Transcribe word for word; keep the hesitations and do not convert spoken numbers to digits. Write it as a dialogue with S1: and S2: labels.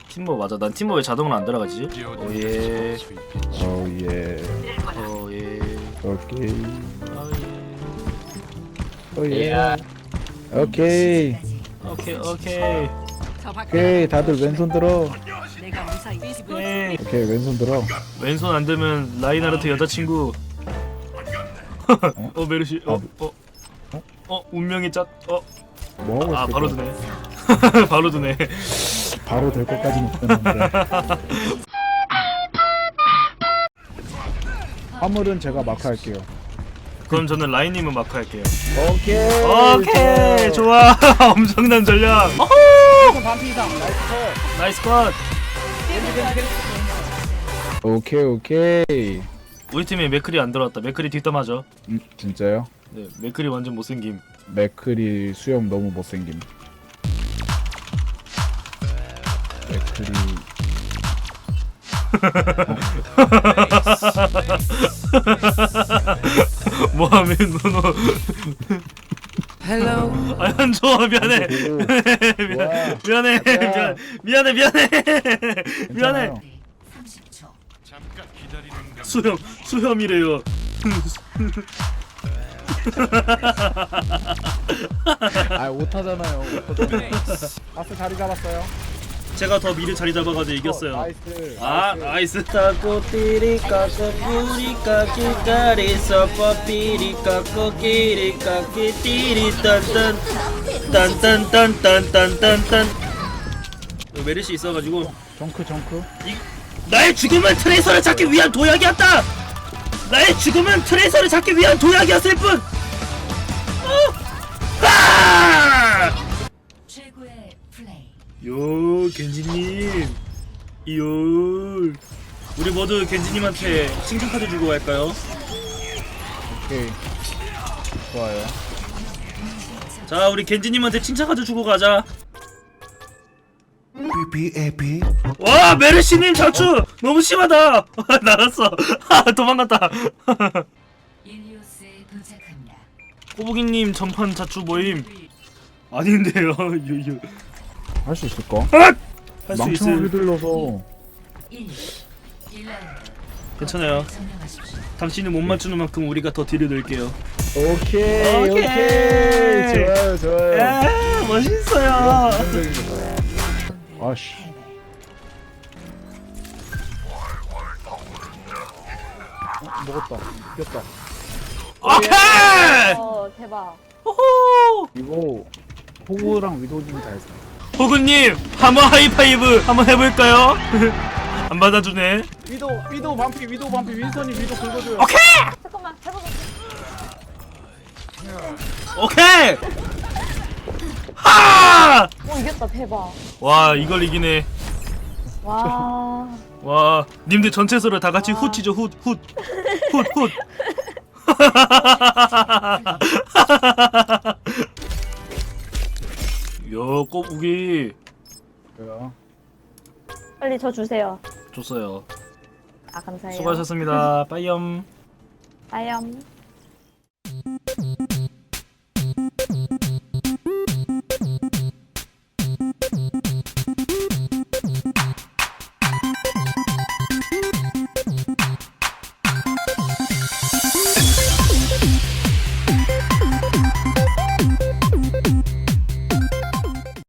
S1: 팀버 맞아. 난 팀버 왜 자동으로 안 들어가지? 오예.
S2: 오예.
S1: 오예.
S2: 오케이.
S1: 오예.
S2: 오예. 오케이.
S1: 오케이 오케이.
S2: 오케이. 다들 왼손 들어.
S1: 예.
S2: 오케이 왼손 들어.
S1: 왼손 안 되면 라인하르트 여자친구. 어 메르시. 어 어. 어 운명의 짝. 어.
S2: 뭐 하고
S1: 아
S2: 있을
S1: 바로
S2: 거야?
S1: 드네. 바로 드네.
S2: 바로 될 것까지는 없었는데. 화물은 제가 마크할게요.
S1: 그럼 저는 라인님은 마크 할게요.
S2: 오케이.
S1: 오케이 좋아. 엄청난 전략.
S2: 반피 이상. 나이스 컷.
S1: 나이스 컷.
S2: 오케이 오케이.
S1: 우리 팀에 맥클이 안 들어왔다. 맥클이 뒷담하죠.
S2: 음 진짜요?
S1: 네, 맥클이 완전 못생김.
S2: 맥클이 수염 너무 못생김. 맥클이
S1: 뭐하면 너너.
S3: Hello.
S1: 아안 좋아 미안해. 미안, 미안해 미안 미안해 미안해 미안해. 수염 수염이래요.
S2: 아 못하잖아요. 아스 자리 잡았어요.
S1: 제가 더 미리 자리 잡아가지고 이겼어요.
S2: 나이스.
S1: 아 나이스. 까꾸 띠리까 꼬끼리까 끼까리 서퍼 삐리까 꼬끼리까 끼띠리 딴딴 딴딴딴딴딴딴딴. 메르시 있어가지고
S2: 정크 정크.
S1: 이, 나의 죽음은 트레이서를 찾기 위한 도약이었다. 나의 죽음은 트레이서를 찾기 위한 도약이었을 뿐. 어! 아!
S4: 최고의 플레이.
S1: 요 겐지님 요 우리 모두 겐지님한테 칭찬 카드 주고 갈까요?
S2: 오케이. 좋아요.
S1: 자 우리 겐지님한테 칭찬 카드 주고 가자.
S3: 비비에비.
S1: 와 메르시님 자추 너무 심하다. 나갔어. 도망갔다.
S4: 일리오스에 도착합니다.
S1: 꼬부기님 전판 자추 모임 아닌데요. 유유
S2: 할 수 있을까?
S1: 할 수
S2: 망청을
S1: 있을.
S2: 휘둘러서
S4: 일. 일 라운드.
S1: 괜찮아요.
S4: 점령하십시오.
S1: 당신이 못 맞추는 만큼 우리가 더 딜을 넣을게요.
S2: 오케이
S1: 오케이.
S2: 오케이, 좋아요 좋아요.
S1: 야 멋있어요.
S2: 아씨. 어, 먹었다. 이겼다.
S1: 오케이.
S5: 어 대박.
S1: 호호.
S2: 이거 호구랑 위도님이 다 했어.
S1: 호구님 한번 하이파이브 한번 해볼까요? 안 받아주네.
S2: 위도 위도 반피 위도 반피 윈선이 위도 긁어줘요.
S1: 오케이
S5: 잠깐만 해보자.
S1: 오케이. 하!
S5: 오 이겼다 대박.
S1: 와 이걸 이기네.
S5: 와.
S1: 와 님들 전체서로 다 같이 훗치죠 훗훗훗훗 요 꼬부기
S2: 뭐야?
S5: 빨리 저 주세요.
S1: 줬어요.
S5: 아 감사해요.
S1: 수고하셨습니다. 빠이염.
S5: 아염.